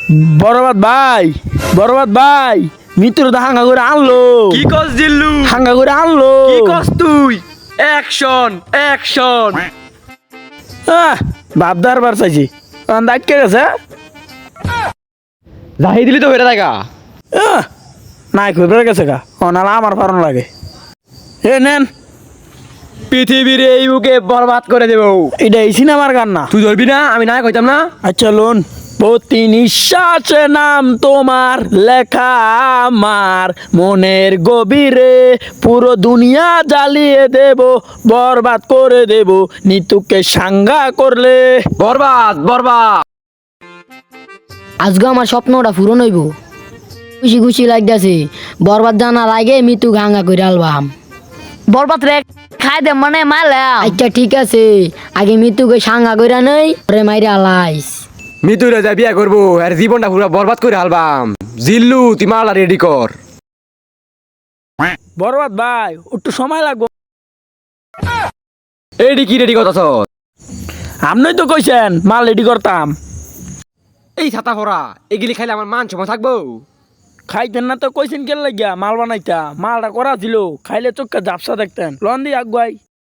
বরবাদ ভাই, বরবাদ ভাই, মিত্র তো হাঙ্গা করে আনলো। কি কস জিল্লু? হাঙ্গা করে আনলো। কি কস তুই? Action action. বাপদার বার চাইছি দায়িত্ব গেছে। যাই দিলি তো হয়ে থাকা। নাই খুব গেছে গা নালা আমার ফারণ লাগে। এ নেন, পৃথিবীর এই বুকে বরবাদ করে দেব। এটা এই সিনেমার গান না। তুই ধরবি না, আমি না কইতাম না। আচ্ছা লোন। প্রতি নিঃশ্বাসে নাম তোমার লেখা আমার মনের গভীরে, পুরো দুনিয়া জ্বালিয়ে দেব, বরবাদ করে দেব নিতুকে সাঙ্গা করলে। বরবাদ বরবাদ। আজকে আমার স্বপ্নটা পূরণ হইব। খুশি খুশি লাগতেছে। বরবাদ জানার আগে মৃত্যু গাঙ্গা করে আলবাম। বরবাদ রে খাই দে মানে মারলাম। আচ্ছা ঠিক আছে, আগে মৃত্যুকে সাঙ্গা করে নই পরে মাইরে আলাইস। মিতুরে যা বিয়া করবো আর জীবনটা পুরো বরবাদ করে হালবাম। জিল্লু তুই মালা রেডি কর। বরবাদ ভাই একটু সময় লাগবে। এডি কি রেডি করতাছ? আপনি তো কইছেন মাল রেডি করতাম। এই ছাতা ফোরা এগুলি খাইলে আমার মান সময় থাকবো? খাইতেন না তো কইছেন কেন লাগিয়া মাল বানাইতা? মালটা করা ছিল, খাইলে চোখটা ঝাপসা দেখতেন। লন দি আগুয়াই।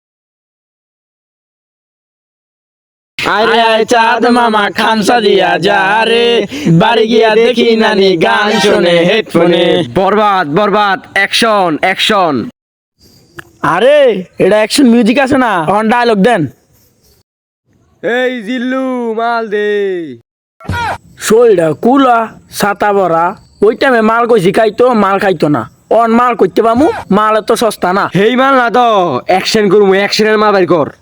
আরে আয় চাঁদ মামা খামসা দিয়া যা রে, বাড়ি গিয়া দেখি নানি গান শুনে হেডফোনে। বরবাদ বরবাদ অ্যাকশন অ্যাকশন। আরে এটা অ্যাকশন মিউজিক আছে না, অন ডায়লগ দেন। এই জিল্লু মাল দে। শরীরটা কুলা ছাতা ভরা, ওই টাইমে মাল কইছি খাইতো, মাল খাইতো না। অন মাল করতে পামু, মাল এত সস্তা না। হেই মাল না তো অ্যাকশন করবো, অ্যাকশনের মাল বাইর কর।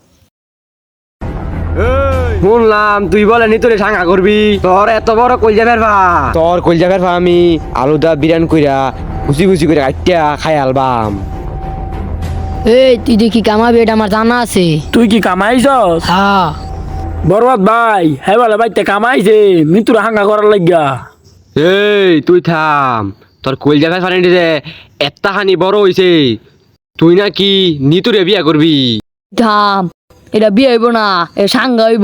শুনলাম তুই বলে নি তোরে সাঙ্গা করবি। তোর এত বড় কলজা ফেরবা, তোর কলজা ফেরবা আমি আলুদা বিরান কইরা খুশি খুশি করে কাটিয়া খাই আলবাম। এই তুই দেখি কামাবি, এটা আমার জানা আছে। তুই কি কামাইছস? হ্যাঁ বরবাদ ভাই হ্যাঁ বলে বাইতে কামাইছে মিতুর হাঙ্গা করার লাগিয়া। এই তুই থাম, তোর কলজা ফেরবা যে এত্তা হানি বড় হইছে, তুই নাকি নিতুরে বিয়া করবি। থাম, এটা বিয়ে হইব না, এ সাঙ্গা হইব।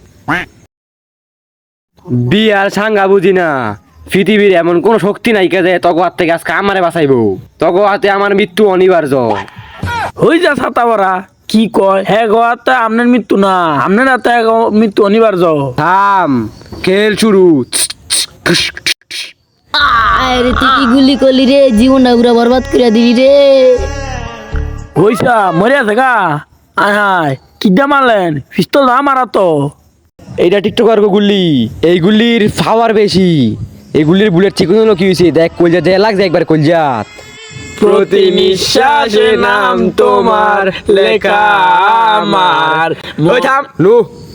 বিয়ার সাঙ্গা বুঝি না। পৃথিবীর এমন কোন শক্তি নাই কে যে তগো হাত থেকে আজকে আমারে বাঁচাইবো। তগো হাতে আমার মৃত্যু অনিবার্য। হই যা ছাতা ভরা কি কয়? হ্যাঁ গোয়াতে আপনার মৃত্যু না, আপনার হাতে মৃত্যু অনিবার্য। থাম, খেল শুরু। আরে তুই কি গুলি করলি রে? জীবনটা পুরো বরবাদ করে দিবি রে। হইসা মরে আছে গা। আয় হায় কিডা মারলেন? পিস্তল না মারা তো। এইটা টিকটকার গুল্লি, এই গুল্লির পাওয়ার বেশি। এই গুল্লির বুলেট চিকন হলো কি হয়েছে দেখ, কলজা দেয়া লাগছে একবার কলজাত। প্রতি নিঃশ্বাসে নাম তোমার লেখা আমার। ওই থাম নু।